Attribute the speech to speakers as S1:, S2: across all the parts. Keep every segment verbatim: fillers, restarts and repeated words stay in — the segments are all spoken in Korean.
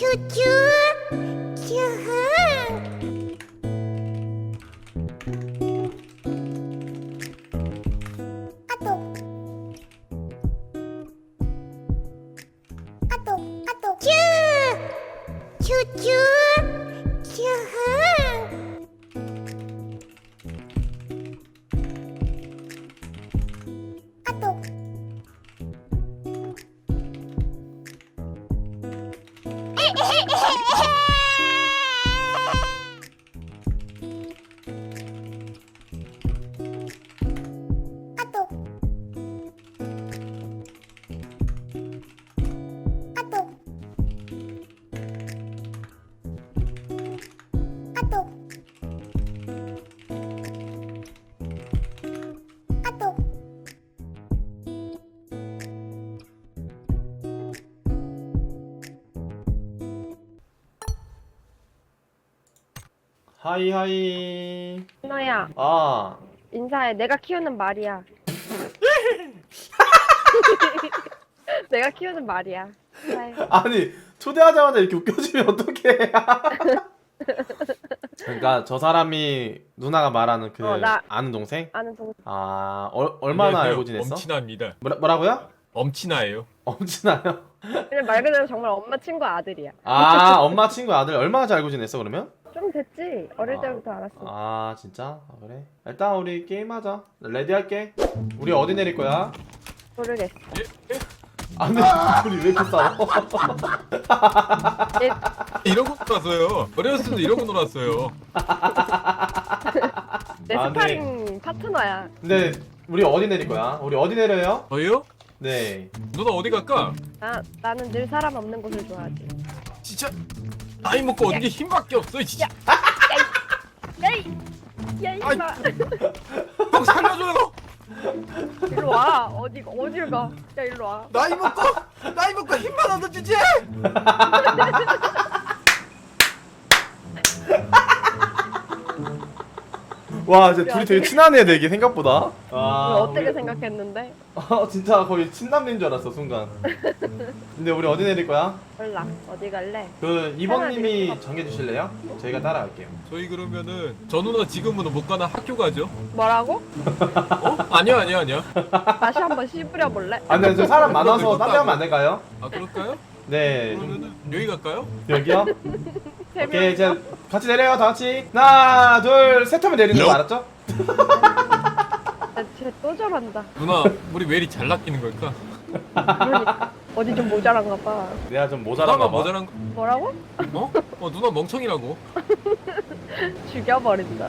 S1: 쭈쭈 쭈흥 아똑 아똑 아똑 쭈 쭈쭈 쭈흥 아똑 아똑 아똑 아똑 아똑
S2: 하이하이.
S3: 너야
S2: 아,
S3: 인사해. 내가 키우는 말이야. 내가 키우는 말이야. 인사해.
S2: 아니 초대하자마자 이렇게 웃겨주면 어떡해. 그러니까 저 사람이 누나가 말하는 그
S3: 어, 나-
S2: 아는 동생?
S3: 아는 동생.
S2: 아, 어, 얼마나
S4: 안녕하세요.
S2: 알고 지냈어?
S4: 엄친아입니다.
S2: 뭐라, 뭐라고요?
S4: 엄친아예요.
S2: 엄친아요?
S3: 그냥 말 그대로 정말 엄마 친구 아들이야.
S2: 아, 엄마 친구 아들 얼마나 잘 알고 지냈어 그러면?
S3: 좀 됐지. 어릴
S2: 아.
S3: 때부터 알았어.
S2: 아, 진짜? 아, 그래? 일단 우리 게임하자. 레디 할게. 우리 어디 내릴 거야?
S3: 모르겠어.
S2: 아, 근데 우리 왜 이렇게 싸워?
S3: 얘,
S4: 이러고 놀았어요. 어렸을 때도 이러고 놀았어요.
S3: 내
S2: 아,
S3: 스파링 파트너야.
S2: 근데 우리 어디 내릴 거야? 우리 어디 내려요?
S4: 저요?
S2: 네.
S4: 누나 어디 갈까?
S3: 나 나는 늘 사람 없는 곳을 좋아하지.
S4: 진짜 나이 먹고 어디 힘밖에 없어. 진짜.
S3: 야이, 야 이마.
S4: 형 살려줘요.
S3: 일로 와. 어디 어딜 가? 야 일로 와.
S4: 나이 먹고 나이 먹고 힘만 얻어주지.
S2: 와, 이제 둘이 되게 친하네, 되게 생각보다. 아,
S3: 왜 어떻게
S2: 우리-
S3: 생각했는데?
S2: 아, 진짜 거의 친남매인 줄 알았어, 순간. 근데 우리 어디 내릴 거야?
S3: 몰라. 어디 갈래?
S2: 그 이번님이
S3: 편하게.
S2: 정해주실래요? 저희가 따라갈게요.
S4: 저희 그러면은 저 누나 지금은 못 가나 학교 가죠?
S3: 뭐라고?
S4: 어? 아니야 아니야 아니야.
S3: 다시 한번 씹으려 볼래?
S2: 아, 근데 저 사람 많아서 딴 데 가면 안 될까요?
S4: 아 그럴까요?
S2: 네, 좀
S4: 그러면은 여기 갈까요?
S2: 여기요?
S3: 세
S2: 오케이,
S3: 명이서?
S2: 이제 같이 내려요, 다 같이. 하나, 둘, 셋 하면 내리는 거 알았죠?
S3: 쟤또 저런다.
S4: 누나 우리 왜 이리 잘 낚이는 걸까?
S3: 그러니까 어디 좀 모자란가 봐.
S2: 내가 좀 모자란가
S4: 누나가
S2: 봐.
S4: 모자란 거?
S3: 뭐라고?
S4: 어? 어 누나 멍청이라고.
S3: 죽여버린다.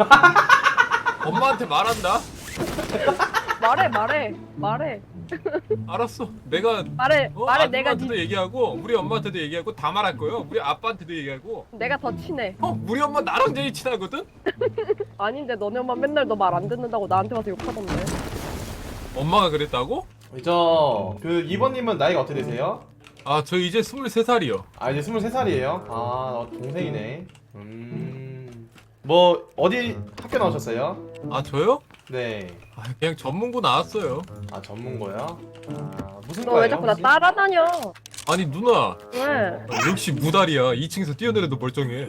S4: 엄마한테 말한다.
S3: 말해 말해 말해
S4: 알았어. 내가
S3: 말해
S4: 어?
S3: 말해. 내가
S4: 아줌마한테도
S3: 니,
S4: 얘기하고 우리 엄마한테도 얘기하고 다 말할 거예요. 우리 아빠한테도 얘기하고.
S3: 내가 더 친해.
S4: 어? 우리 엄마 나랑 제일 친하거든?
S3: 아닌데 너네 엄마 맨날 너 말 안 듣는다고 나한테 와서 욕하던데.
S4: 엄마가 그랬다고?
S2: 저, 그 이번님은 나이가 어떻게 되세요?
S4: 아 저 이제 스물세 살이요.
S2: 아, 이제 스물세 살이에요? 아, 어, 동생이네. 음. 뭐, 어디 학교 나오셨어요?
S4: 아 저요?
S2: 네.
S4: 아, 그냥 전문고 나왔어요.
S2: 아, 전문고요? 아, 무슨
S3: 너 왜
S2: 과예요?
S3: 자꾸 나
S2: 혹시?
S3: 따라다녀?
S4: 아니 누나
S3: 왜?
S4: 아, 역시 무다리야. 이 층에서 뛰어내려도 멀쩡해.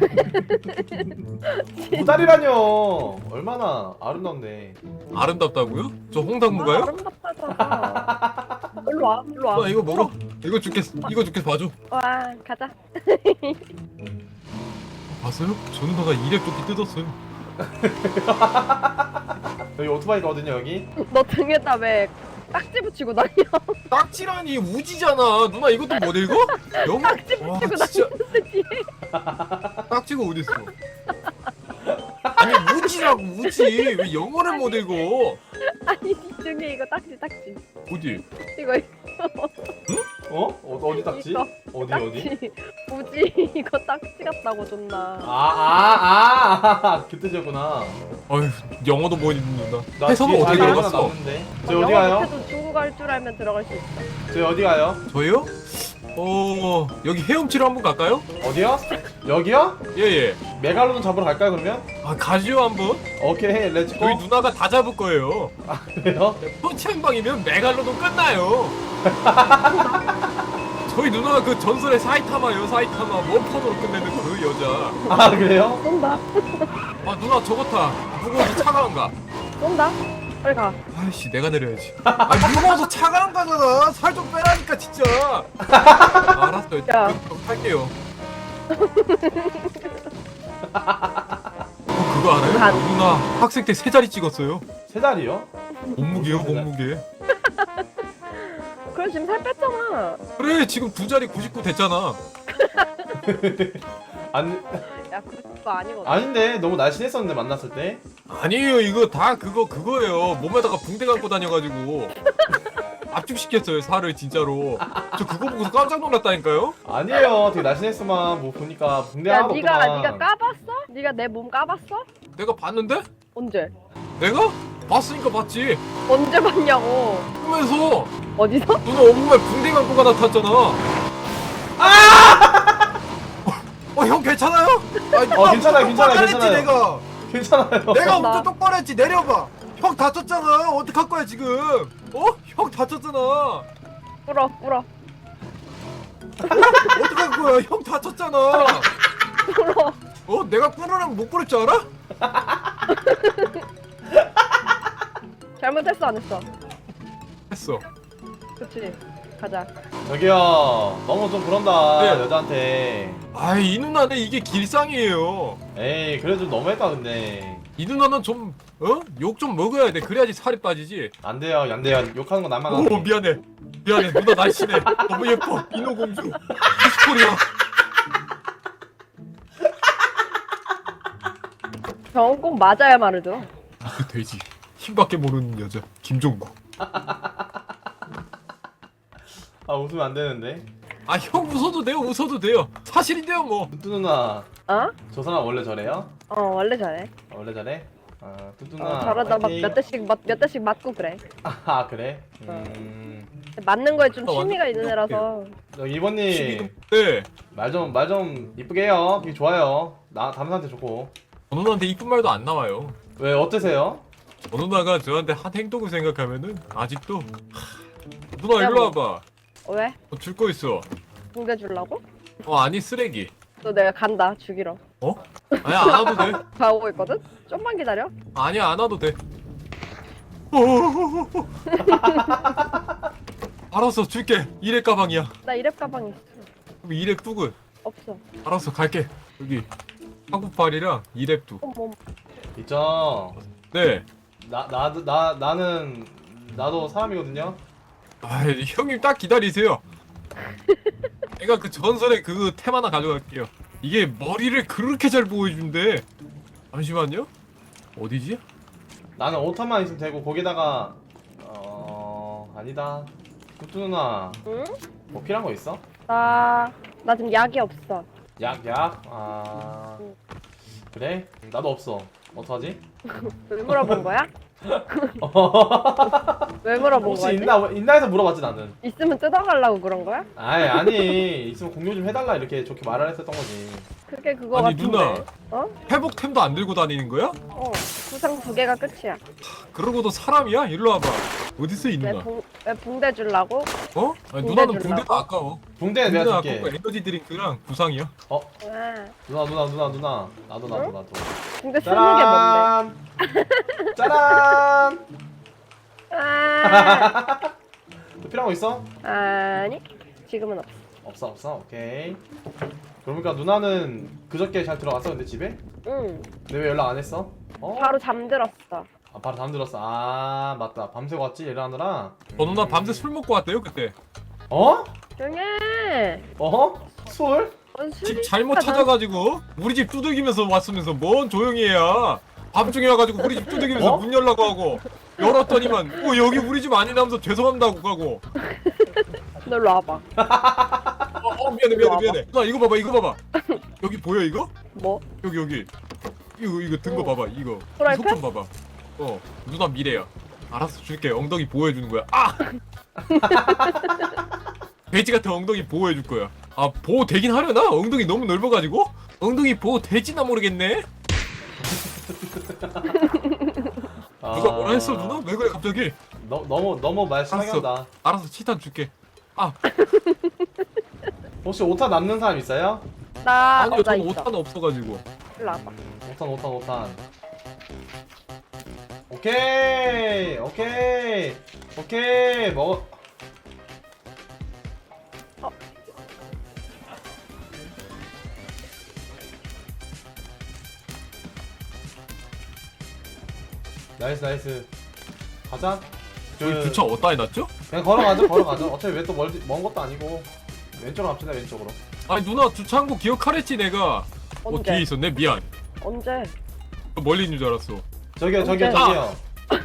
S2: 무다리라뇨. 얼마나 아름다운데.
S4: 아름답다고요? 저
S3: 아,
S4: 홍당무가요?
S3: 아름답다잖아. 일로 와 일로 와.
S4: 누나 이거 먹어. 이거 줄게. 이거 줄게 봐줘.
S3: 와 가자.
S4: 봤어요? 저 누나가 이랩조끼 뜯었어요.
S2: 여기 오토바이거든요, 여기.
S3: 너 등에다 왜 딱지 붙이고 다녀?
S4: 딱지라니 우지잖아. 누나 이것도 못 읽어? 영어?
S3: 딱지
S4: 와
S3: 붙이고
S4: 진짜
S3: 다니는데 뒤에.
S4: 딱지가 어딨어? 아니 우지라고 우지. 왜 영어를 못 읽어?
S3: 아니 니 등에 이거 딱지 딱지.
S4: 어디?
S3: 이거 이거.
S2: 어? 어 어디 딱지?
S3: 이거.
S2: 어디 어디?
S3: 딱지. 우지 이거 딱지 같다고 존나.
S2: 아, 아, 아, 그 뜻이었구나.
S4: 어휴 영어도 못 읽는 누나.
S2: 나
S4: 해석은
S2: 뒤에
S4: 어떻게
S2: 자리 하나
S4: 들어갔어?
S2: 남는데. 저희 어디
S3: 영어
S2: 가요?
S3: 못해도 중국어 할 줄 알면 들어갈 수 있어.
S2: 저희 어디 가요?
S4: 저요? 어 여기 헤엄치러 한번 갈까요?
S2: 어디요? 여기요?
S4: 예예.
S2: 메갈로돈 잡으러 갈까요 그러면?
S4: 아 가지요 한번.
S2: 오케이, 렛츠고.
S4: 저희 누나가 다 잡을 거예요.
S2: 그래요?
S4: 펀치 한 방이면 메갈로돈 끝나요. 저희 누나가 그 전설의 사이타마요 사이타마 원펀으로 끝내는 그 여자.
S2: 아 그래요?
S3: 쏜다.
S4: 아 누나 저거 타. 무거워서 차가 안 가.
S3: 쏜다. 빨리 가.
S4: 아이씨 내가 내려야지. 아 무거워서 차가 안 가잖아. 살 좀 빼라니까 진짜. 아, 알았어요.
S3: 야.
S4: 그, 그, 할게요. 어, 그거 알아요?
S3: 간.
S4: 누나 학생 때 세 자리 찍었어요.
S2: 세 달이요?
S4: 몸무게요 몸무게.
S3: 그래 지금 살 뺐잖아.
S4: 그래 지금 두 자리 구십구 됐잖아.
S2: 안
S3: 야 그거 아니거든.
S2: 아닌데 너무 날씬했었는데 만났을 때.
S4: 아니에요 이거 다 그거 그거예요. 몸에다가 붕대 감고 다녀가지고 압축시켰어요 살을 진짜로. 저 그거 보고서 깜짝 놀랐다니까요.
S2: 아니에요. 되게 날씬했어만 뭐 보니까 붕대
S3: 야
S2: 하나도
S3: 네가
S2: 없구만.
S3: 네가 까봤어? 네가 내 몸 까봤어?
S4: 내가 봤는데?
S3: 언제?
S4: 내가? 봤으니까 봤지.
S3: 언제 봤냐고.
S4: 꿈에서
S3: 어디서?
S4: 누나 온몸에 붕대 감고가 나타났잖아. 어 형 괜찮아요?
S5: 아니,
S2: 어, 괜찮아요, 괜찮아요,
S5: 했지,
S2: 괜찮아요.
S5: 내가
S2: 괜찮아요.
S5: 내가
S3: 나-
S5: 운전 똑바로 했지. 내려봐. 형 다쳤잖아. 어떡할 거야 지금? 어? 형 다쳤잖아.
S3: 풀어 풀어
S5: 어떡할 거야? 형 다쳤잖아.
S3: 풀어.
S5: 어? 내가 꾸르면 못 꾸를 줄 알아?
S3: 잘못했어 안 했어?
S4: 했어.
S3: 그치. 가자.
S2: 저기요. 너무 좀 그런다.
S4: 네.
S2: 여자한테.
S4: 아이 이 누나는 이게 길상이에요.
S2: 에이 그래 좀 너무했다 근데.
S4: 이 누나는 좀 어? 욕 좀 먹어야 돼. 그래야지 살이 빠지지.
S2: 안 돼요 안 돼요. 욕하는 건 나만
S4: 오
S2: 하고.
S4: 미안해. 미안해. 누나 날씬해. 너무 예뻐. 인어공주. 히스토리야.
S3: 저건 꼭 맞아야 말을 들어.
S4: 그 돼지. 힘밖에 모르는 여자. 김종국.
S2: 아 웃으면 안 되는데.
S4: 아 형 웃어도 돼요. 웃어도 돼요. 사실인데요 뭐.
S2: 뚜뚜 누나.
S3: 어?
S2: 저 사람 원래 저래요?
S3: 어 원래 잘해.
S2: 어, 원래 저래? 아 뚜뚜 누나.
S3: 어, 저러다 막
S2: 화이팅.
S3: 몇 대씩 맞, 몇 대씩 맞고 그래.
S2: 아 그래? 음.
S3: 맞는 거에 좀
S4: 아,
S3: 취미가
S4: 완전
S3: 있는 애라서.
S2: 저 이번님
S4: 네.
S2: 말 좀 말 좀 이쁘게 해요. 그게 좋아요. 나 다른 사람한테 좋고.
S4: 저 누나한테 이쁜 말도 안 나와요.
S2: 왜 어떠세요?
S4: 저 누나가 저한테 한 행동을 생각하면은 아직도 하... 누나
S3: 야,
S4: 일로
S3: 뭐.
S4: 와봐.
S3: 왜?
S4: 어, 줄 거 있어.
S3: 붕대 주려고?
S4: 어 아니 쓰레기.
S3: 너 내가 간다 죽이러.
S4: 어? 아니야 안 와도 돼.
S3: 가고 있거든? 좀만 기다려.
S4: 아니야 안 와도 돼. 알았어 줄게. 이랩 가방이야.
S3: 나 이랩 가방 있어.
S4: 그럼 이랩 뚝은
S3: 없어.
S4: 알았어 갈게. 여기 한국팔이랑 이랩 뚝.
S3: 어머.
S2: 있죠.
S4: 네.
S2: 나 나도 나 나는 나도 사람이거든요.
S4: 아 형님 딱 기다리세요. 내가 그 전설의 그 템 하나 가져갈게요. 이게 머리를 그렇게 잘 보여준대. 잠시만요. 어디지?
S2: 나는 오타만 있으면 되고 거기다가 어 아니다. 뚜뚜 누나
S3: 응?
S2: 뭐 필요한 거 있어?
S3: 나, 나 지금 약이 없어.
S2: 약 약. 아
S3: 응.
S2: 그래? 나도 없어. 어떡하지?
S3: 왜 물어본 거야? 왜 물어본
S2: 혹시
S3: 거지?
S2: 있나 있나 해서 물어봤지 나는.
S3: 있으면 뜯어가려고 그런 거야?
S2: 아이 아니 있으면 공유 좀 해달라 이렇게 좋게 말을 했었던 거지.
S3: 그게 그거
S4: 아니,
S3: 같은데.
S4: 누나.
S3: 어?
S4: 회복템도 안 들고 다니는 거야?
S3: 어. 구상 두 개가 끝이야.
S4: 그러고도 사람이야? 일로 와봐. 어딨어 이
S3: 왜,
S4: 누나?
S3: 붕, 왜 붕대 주려고?
S4: 어? 아니,
S3: 붕대
S4: 누나는
S3: 주려고?
S4: 붕대도 아까워.
S2: 붕대
S4: 붕대는
S2: 내가
S4: 아까워.
S2: 줄게.
S4: 에너지 드링크랑 구상이야.
S2: 어
S3: 아,
S2: 누나 누나 누나 누나 나도 나도
S3: 응?
S2: 나도.
S3: 붕대 쓰는 게 뭔데?
S2: 짜란. 짜란.
S3: 아,
S2: 또 필요한 거 있어?
S3: 아니, 지금은 없어.
S2: 없어 없어 오케이. 그러니까 누나는 그저께 잘 들어갔어 근데 집에?
S3: 응,
S2: 근데 왜 연락 안 했어? 어?
S3: 바로 잠들었어.
S2: 아 바로 잠들었어. 아 맞다 밤새고 왔지 일하느라.
S4: 저 누나 밤새 술 먹고 왔대요 그때.
S2: 어?
S3: 조용해.
S2: 어? 술?
S3: 뭔 술이
S4: 집 잘못
S3: 있어,
S4: 찾아가지고 우리 집 두들기면서 왔으면서 뭔 조용히 해야. 밤중에 와가지고 우리 집 두들기면서
S2: 어?
S4: 문 열라고 하고 열었더니만 어 여기 우리 집 아니라면서 죄송합니다 하고 가고.
S3: 너 일로 와봐.
S4: 어, 어 미안해 미안해 미안해. 누나 이거 봐봐 이거 봐봐. 여기 보여 이거?
S3: 뭐?
S4: 여기 여기 이거 이거 든 거
S3: 어.
S4: 봐봐 이거
S3: 프라이팬?
S4: 속 좀 봐봐. 어 누나 미래야. 알았어 줄게. 엉덩이 보호해 주는 거야. 아 돼지 같은 엉덩이 보호해 줄 거야. 아 보호 되긴 하려나? 엉덩이 너무 넓어가지고 엉덩이 보호 될지나 모르겠네. 누가 뭐라 했어 누나? 왜 그래 갑자기?
S2: 너, 너무 너무 말 심하게
S4: 알았어.
S2: 한다.
S4: 알았어 치탄 줄게. 아
S2: 혹시 오탄 남는 사람 있어요?
S3: 나
S4: 아니요,
S3: 어, 나
S4: 전
S3: 있어.
S4: 오탄 없어가지고.
S3: 일로 와봐.
S2: 음, 오탄 오탄 오탄. 오케이 오케이 오케이 먹어.
S3: 어.
S2: 나이스 나이스. 가자.
S4: 저기
S2: 그,
S4: 주차 어디다 해놨죠?
S2: 그냥 걸어가죠 걸어가죠. 어차피 왜 또 먼 것도 아니고. 왼쪽으로 갑시다 왼쪽으로.
S4: 아니 누나 주차한 거 기억하랬지 내가. 어
S3: 언제?
S4: 뒤에 있었네 미안.
S3: 언제?
S4: 멀리 있는 줄 알았어.
S2: 저기요 저기요
S3: 언제?
S2: 저기요.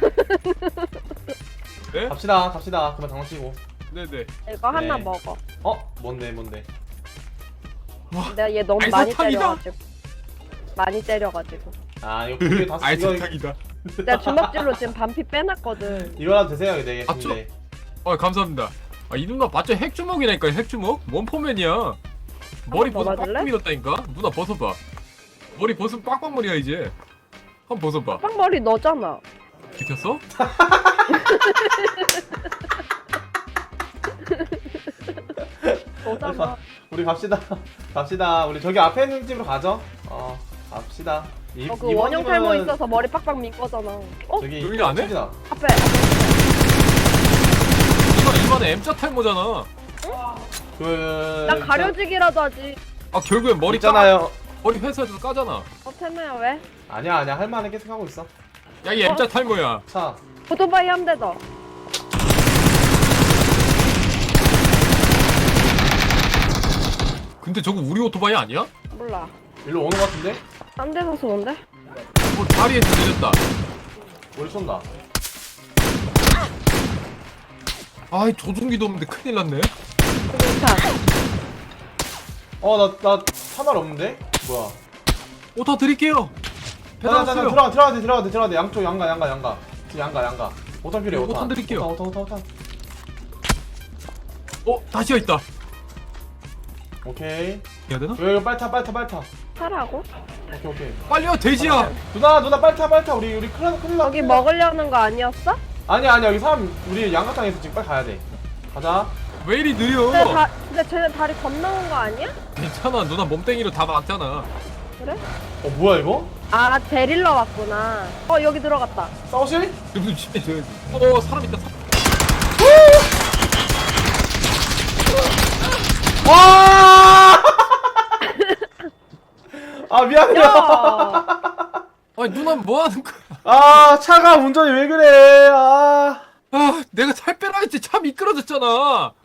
S4: 네?
S2: 갑시다 갑시다. 그만 장치고.
S4: 네네.
S3: 이거 하나
S2: 네.
S3: 먹어.
S2: 어 뭔데 뭔데.
S3: 내가 얘 너무
S4: 아이,
S3: 많이
S4: 사탕이다.
S3: 때려가지고. 많이 때려가지고.
S2: 아 이거 두개 다 쓰. 이거
S4: 알차탁이다.
S3: 내가 주먹질로 지금 반피 빼놨거든.
S2: 이거라도 드세요 되게
S4: 아,
S2: 근데.
S4: 아 감사합니다. 아 이 누나 맞죠 핵주먹이라니까 핵주먹? 원포맨이야. 머리
S3: 더
S4: 벗어
S3: 맞을래?
S4: 빡빡 밀었다니까. 누나 벗어봐. 머리 벗으면 빡빡머리야 이제. 한번 벗어봐.
S3: 빵머리 너잖아.
S4: 비켰어?
S3: 너잖아.
S2: 우리 갑시다. 갑시다. 우리 저기 앞에 있는 집으로 가죠. 어, 갑시다. 이,
S3: 어, 그
S2: 이번
S3: 원형 탈모
S2: 집은
S3: 있어서 머리 빡빡 민 거잖아. 어?
S2: 저기
S4: 여기 안 해?
S2: 집이다.
S3: 앞에.
S4: 이거 이번에 M자 탈모잖아.
S2: 그.
S3: 난 가려지기라도 하지.
S4: 아 결국엔 머리 까
S2: 있잖아요.
S4: 머리 회사에서 까잖아.
S3: 어, 태매야 왜?
S2: 아니야 아니야 할 만은 계속 하고 있어.
S4: 야 이 M자 탈모야.
S2: 차.
S3: 오토바이 한 대 더.
S4: 근데 저거 우리 오토바이 아니야?
S3: 몰라.
S2: 일로 오는 것 같은데?
S3: 딴 데서 쏘는데?
S4: 어 다리에 내렸다.
S2: 우리 쏜다.
S4: 아이 조종기도 없는데 큰일 났네.
S3: 그니까.
S2: 어나나 차말 없는데? 뭐야?
S4: 오타 드릴게요. 배달
S2: 자자자
S4: 왔어요.
S2: 들어가 들어가 돼 들어가 돼 들어가 돼 양쪽 양가 양가 양가. 지금 양가 양가. 오탄 필요해 오탄.
S4: 오탄 드릴게요.
S2: 오탄 오탄 오탄 오탄.
S4: 어 다시야 있다.
S2: 오케이.
S4: 해야 되나?
S2: 이거 빨리 타 빨리 타 빨리 타.
S3: 타라고?
S2: 오케이 오케이.
S4: 빨리요 돼지야.
S2: 누나 누나 빨리 타 빨리 타. 우리 우리 큰일 나 큰일 나.
S3: 여기
S2: 큰일 나.
S3: 먹으려는 거 아니었어?
S2: 아니야 아니야 여기 사람 우리 양가땅에서 지금 빨리 가야 돼. 가자.
S4: 왜 이리 느려?
S3: 근데, 다, 근데 쟤네 다리 건너온 거 아니야?
S4: 괜찮아 누나 몸땡이로 다 막잖아.
S3: 그래?
S2: 어 뭐야 이거?
S3: 아, 데릴러 왔구나. 어, 여기 들어갔다.
S2: 싸우실?
S4: 좀 취해줘야지. 어 사람 있다. 사람.
S2: 와! 아 미안해요.
S3: 야!
S4: 아니 누나 뭐 하는 거야?
S2: 아 차가 운전이 왜 그래? 아.
S4: 아 내가 살 빼라 했지 차 미끄러졌잖아.